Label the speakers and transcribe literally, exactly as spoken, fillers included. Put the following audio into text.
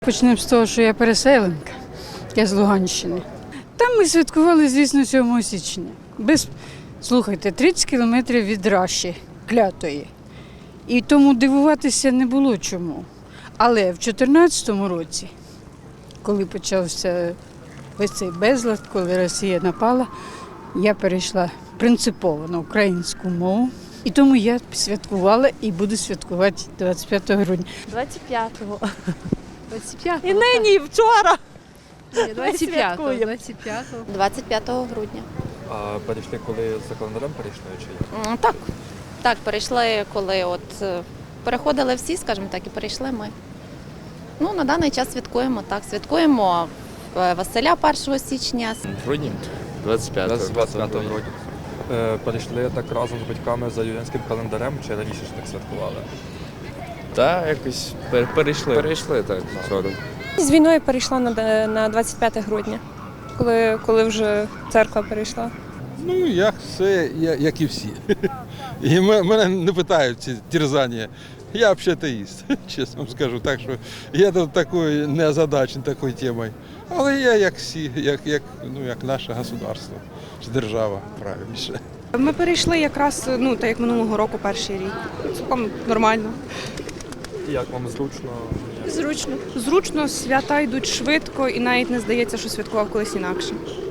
Speaker 1: Почнемо з того, що я переселенка, я з Луганщини. Там ми святкували, звісно, сьомого січня. Без, слухайте, тридцять кілометрів від Раші, клятої. І тому дивуватися не було чому. Але в дві тисячі чотирнадцятому році, коли почався весь цей безлад, коли Росія напала, я перейшла принципово на українську мову. І тому я святкувала і буду святкувати двадцять п'ятого грудня.
Speaker 2: двадцять п'ятого.
Speaker 1: двадцять п'ятого?
Speaker 2: І нині, і вчора.
Speaker 1: двадцять п'ятого. двадцять п'ятого.
Speaker 3: двадцять п'ятого грудня.
Speaker 4: А перейшли, коли за календарем перейшли чи як?
Speaker 3: М, Так, так, перейшли, коли от е, переходили всі, скажімо так, і перейшли ми. Ну, на даний час святкуємо, так, святкуємо е, Василя першого січня.
Speaker 5: В грудні? двадцять п'ятого.
Speaker 4: двадцять п'ятого грудня. Е, Перейшли так разом з батьками за юліанським календарем чи раніше ж так святкували?
Speaker 5: Та якось пер- перейшли. Перейшли так, згодом.
Speaker 6: З війною перейшла на, де- на двадцять п'яте грудня, коли, коли вже церква перейшла.
Speaker 7: Ну, як все, я- як і всі. І м- мене не питають ці терзання. Я взагалі атеїст, чесно вам скажу. Так що я тут такою не озадачений такою темою. Але я як всі, як, як, ну, як наше государство, чи держава, правильніше.
Speaker 6: Ми перейшли якраз, ну, так як минулого року, перший рік. Цілком нормально.
Speaker 4: Як вам зручно?
Speaker 6: Зручно. Зручно, свята йдуть швидко і навіть не здається, що святкував колись інакше.